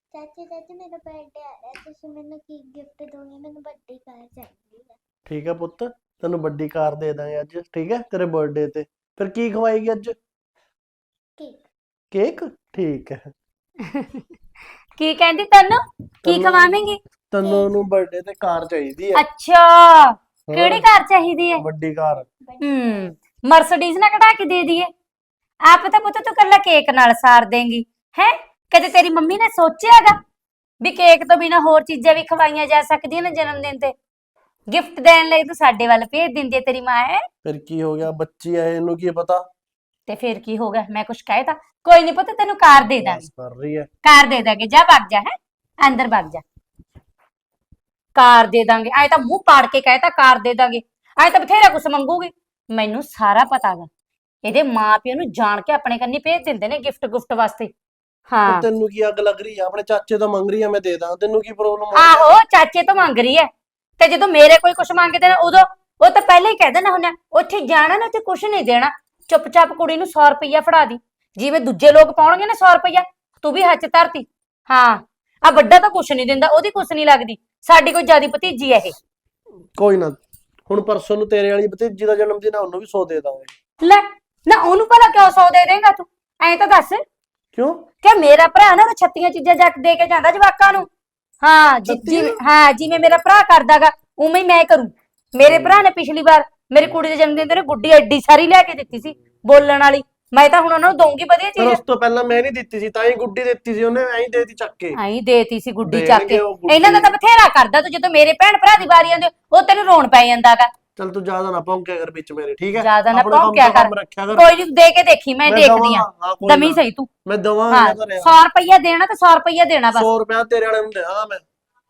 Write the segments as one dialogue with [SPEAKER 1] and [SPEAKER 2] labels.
[SPEAKER 1] ਚਾਚੀ ਚਾਚੀ ਮੇਰਾ ਬਰਥਡੇ ਆ ਰਿਹਾ ਤੁਸੀਂ ਮੈਨੂੰ ਕੀ ਗਿਫਟ ਦੋਗੇ ਮੈਨੂੰ ਵੱਡੀ ਕਾਰ ਚਾਹੀਦੀ ਹੈ।
[SPEAKER 2] ਠੀਕ ਹੈ ਪੁੱਤ, ਤੈਨੂੰ ਵੱਡੀ ਕਾਰ ਦੇ ਦਾਂਗੇ ਅੱਜ। ਠੀਕ ਹੈ, ਤੇਰੇ ਬਰਥਡੇ ਤੇ। ਫਿਰ ਕੀ ਖਵਾਏਗੀ ਅੱਜ?
[SPEAKER 1] ਕੇਕ।
[SPEAKER 2] ਕੇਕ? ਠੀਕ ਹੈ।
[SPEAKER 3] ਕੀ ਕਹਿੰਦੀ ਤੈਨੂੰ ਕੀ ਖਵਾਵੇਂਗੀ?
[SPEAKER 2] ਤੈਨੂੰ ਉਹਨੂੰ ਬਰਥਡੇ ਤੇ ਕਾਰ ਚਾਹੀਦੀ ਹੈ।
[SPEAKER 3] ਅੱਛਾ, ਕਿਹੜੀ ਕਾਰ ਚਾਹੀਦੀ ਹੈ?
[SPEAKER 2] ਵੱਡੀ ਕਾਰ।
[SPEAKER 3] ਮਰਸੀਡੀਜ਼ ਨਾ ਕਢਾ ਕੇ ਦੇ ਦਈਏ। ਆਪ ਤਾਂ ਪੁੱਤ ਤੂੰ ਕੱਲਾ ਕੇਕ ਨਾਲ ਸਾਰ ਦੇਂਗੀ ਹੈ। ਕਦੇ ਤੇਰੀ ਮੰਮੀ ਨੇ ਸੋਚਿਆਗਾ ਵੀ ਕੇਕ ਤੋਂ ਬਿਨਾ ਹੋਰ ਚੀਜ਼ਾਂ ਵੀ ਖਵਾਈਆਂ ਜਾ ਸਕਦੀਆਂ ਨੇ ਜਨਮ ਦਿਨ ਤੇ? ਗਿਫਟ ਦੇਣ ਲਈ ਤੂੰ ਸਾਡੇ ਵੱਲ ਭੇਜ ਦਿੰਦੀ ਹੈ ਤੇਰੀ ਮਾਂ ਹੈ।
[SPEAKER 2] ਫਿਰ ਕੀ ਹੋ ਗਿਆ, ਬੱਚੀ ਹੈ, ਇਹਨੂੰ ਕੀ ਪਤਾ।
[SPEAKER 3] ਤੇ ਫਿਰ ਕੀ ਹੋ ਗਿਆ, ਮੈਂ ਕੁਛ ਕਹਿਤਾ? ਕੋਈ ਨਹੀਂ ਪੁੱਤ, ਤੈਨੂੰ ਕਾਰ ਦੇ ਦਾਂਗੇ।
[SPEAKER 2] ਬਸ ਕਰ ਰਹੀ ਹੈ।
[SPEAKER 3] ਕਾਰ ਦੇ ਦਾਂਗੇ, ਜਾ ਵਗ ਜਾ ਹੈ, ਅੰਦਰ ਵਗ ਜਾ। ਕਾਰ ਦੇ ਦਾਂਗੇ ਐ ਤਾਂ ਮੂੰਹ ਪਾੜ ਕੇ ਕਹਿਤਾ ਕਾਰ ਦੇ ਦਾਂਗੇ। ਐ ਤਾਂ ਬਥੇਰਾ ਕੁਛ ਮੰਗੂਗੀ। ਮੈਨੂੰ ਸਾਰਾ ਪਤਾ ਗਾ, ਇਹਦੇ ਮਾਪਿਓ ਨੂੰ ਜਾਣ ਕੇ ਆਪਣੇ ਕੰਨੀ ਭੇਜ ਦਿੰਦੇ ਨੇ ਗਿਫਟ ਗੁਫਟ ਵਾਸਤੇ। ਹਾਂ
[SPEAKER 2] ਤੈਨੂੰ ਕੀ ਅੱਗ ਲੱਗ ਰਹੀ ਆ? ਆਪਣੇ ਚਾਚੇ ਤੋਂ ਮੰਗ ਰਹੀ ਆ, ਮੈਂ ਦੇ ਦਾਂ। ਤੈਨੂੰ ਕੀ ਪ੍ਰੋਬਲਮ ਆ?
[SPEAKER 3] ਆਹੋ, ਚਾਚੇ ਤੋਂ ਮੰਗ ਰਹੀ ਐ ਤੇ ਜਦੋਂ ਮੇਰੇ ਕੋਈ ਕੁਛ ਮੰਗਦੇ ਨੇ ਉਦੋਂ ਉਹ ਤਾਂ ਪਹਿਲਾਂ ਹੀ ਕਹਿ ਦੇਣਾ ਹੁੰਦਾ ਉੱਥੇ ਜਾਣਾ ਨਾ ਤੇ ਕੁਛ ਨਹੀਂ ਦੇਣਾ, ਚੁੱਪਚਾਪ ਕੁੜੀ ਨੂੰ 100 ਰੁਪਈਆ ਫੜਾ ਦੀ। ਜਿਵੇਂ ਦੂਜੇ ਲੋਕ ਪਾਉਣਗੇ ਨਾ 100 ਰੁਪਈਆ, ਤੂੰ ਵੀ ਹੱਥ ਧਰਤੀ। ਹਾਂ, ਆ ਵੱਡਾ ਤਾਂ ਕੁਛ ਨਹੀਂ ਦਿੰਦਾ, ਉਹਦੀ ਕੁਛ ਨਹੀਂ ਲੱਗਦੀ। ਸਾਡੀ ਕੋਈ ਜਿਆਦੀ ਭਤੀਜੀ ਐ ਇਹ।
[SPEAKER 2] ਕੋਈ ਨਾ, ਹੁਣ ਪਰਸੋਂ ਨੂੰ ਤੇਰੇ ਵਾਲੀ ਭਤੀਜੀ ਦਾ ਜਨਮ ਦਿਨ ਆ, ਉਹਨੂੰ ਵੀ 100 ਦੇ ਦਾਂਗੇ।
[SPEAKER 3] ਲੈ ਨਾ, ਉਹਨੂੰ ਭਲਾ ਕਿਉਂ 100 ਦੇ ਦੇਂਗਾ ਤੂੰ? ਐਂ ਤਾਂ ਦੱਸ
[SPEAKER 2] ਕਿਉਂ?
[SPEAKER 3] ਕਿ ਮੇਰਾ ਭਰਾ ਨਾ ਛੱਤੀਆਂ ਚੀਜ਼ਾਂ ਜੱਟ ਦੇ ਕੇ ਜਾਂਦਾ ਜਵਾਕਾਂ ਨੂੰ। ਹਾਂ ਜਿਵੇਂ ਮੇਰਾ ਭਰਾ ਕਰਦਾਗਾ ਉਵੇਂ ਹੀ ਮੈਂ ਕਰੂੰ। ਮੇਰੇ ਭਰਾ ਨੇ ਪਿਛਲੀ ਵਾਰ ਮੇਰੀ ਕੁੜੀ ਦੇ ਜਨਮ ਦਿਨ ਤੇ ਗੁੱਡੀ ਐਡੀ ਸਾਰੀ ਲਿਆ ਕੇ ਦਿੱਤੀ ਸੀ ਬੋਲਣ ਵਾਲੀ। ਮੈਂ ਤਾਂ ਹੁਣ ਉਹਨਾਂ ਨੂੰ ਦਊਂਗੀ ਵਧੀਆ
[SPEAKER 2] ਫਿਰ
[SPEAKER 3] ਚੀਜ਼।
[SPEAKER 2] ਉਸ ਤੋਂ ਪਹਿਲਾਂ ਮੈਂ ਨਹੀਂ ਦਿੱਤੀ ਸੀ, ਤਾਂ ਹੀ ਗੁੱਡੀ ਦਿੱਤੀ ਸੀ ਉਹਨੇ, ਐਂ ਦੇਤੀ ਚੱਕ ਕੇ।
[SPEAKER 3] ਐਂ ਦੇਤੀ ਸੀ ਗੁੱਡੀ ਚੱਕ
[SPEAKER 2] ਦੇਣਗੇ
[SPEAKER 3] ਕੇ।
[SPEAKER 2] ਉਹ ਗੁੱਡੀ।
[SPEAKER 3] ਇਹਨਾਂ ਦਾ ਤਾਂ ਬਥੇਰਾ ਕਰਦਾ ਤੂੰ, ਜਦੋਂ ਮੇਰੇ ਭੈਣ ਭਰਾ ਦੀ ਵਾਰੀ ਆਉਂਦੀ ਉਹ ਤੈਨੂੰ ਰੋਣ ਪੈ ਜਾਂਦਾਗਾ।
[SPEAKER 2] ਚੱਲ ਤੂੰ ਜ਼ਿਆਦਾ ਨਾ ਭੌਂਕਿਆ ਕਰ ਵਿੱਚ ਮੇਰੇ, ਠੀਕ ਹੈ?
[SPEAKER 3] ਜਿਆਦਾ ਨਾ
[SPEAKER 2] ਆਪਣੇ ਕੰਮ
[SPEAKER 3] ਭੌਂਕਿਆ
[SPEAKER 2] ਤੋਂ
[SPEAKER 3] ਕਰ।
[SPEAKER 2] ਕੰਮ ਰੱਖਿਆ ਕਰ।
[SPEAKER 3] ਕੋਈ ਨਹੀਂ, ਦੇ ਕੇ ਦੇਖੀ, ਮੈਂ ਦੇਖਦੀ
[SPEAKER 2] ਦਵਾਂਗਾ,
[SPEAKER 3] ਆ।
[SPEAKER 2] ਹਾਂ, ਕੋਈ
[SPEAKER 3] ਦਮੀ
[SPEAKER 2] ਨਾ।
[SPEAKER 3] ਸਹੀ ਤੂੰ।
[SPEAKER 2] ਮੈਂ ਦਵਾਂ
[SPEAKER 3] ਹਾਂ,
[SPEAKER 2] ਜਾਂ ਘਰੇ
[SPEAKER 3] 100 ਰੁਪਈਆ ਦੇਣਾ ਤੇ 100 ਰੁਪਈਆ ਦੇਣਾ ਬਸ।
[SPEAKER 2] 100 ਰੁਪਇਆ ਤੇਰੇ ਵਾਲੇ ਨੂੰ ਦੇਣਾ ਮੈਂ।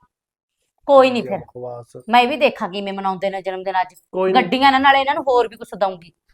[SPEAKER 3] ਕੋਈ ਨਹੀਂ, ਫਿਰ
[SPEAKER 2] ਬਕਵਾਸ।
[SPEAKER 3] ਮੈਂ ਵੀ ਦੇਖਾਂਗੀ ਮੈਂ ਮਨਾਉਂਦੇ ਨੇ ਜਨਮ ਦਿਨ ਅੱਜ।
[SPEAKER 2] ਕੋਈ ਨੀ।
[SPEAKER 3] ਗੱਡੀਆਂ ਨਾਲ ਨਾਲੇ ਇਹਨਾਂ ਨੂੰ ਹੋਰ ਵੀ ਕੁਛ ਦਊਂਗੀ।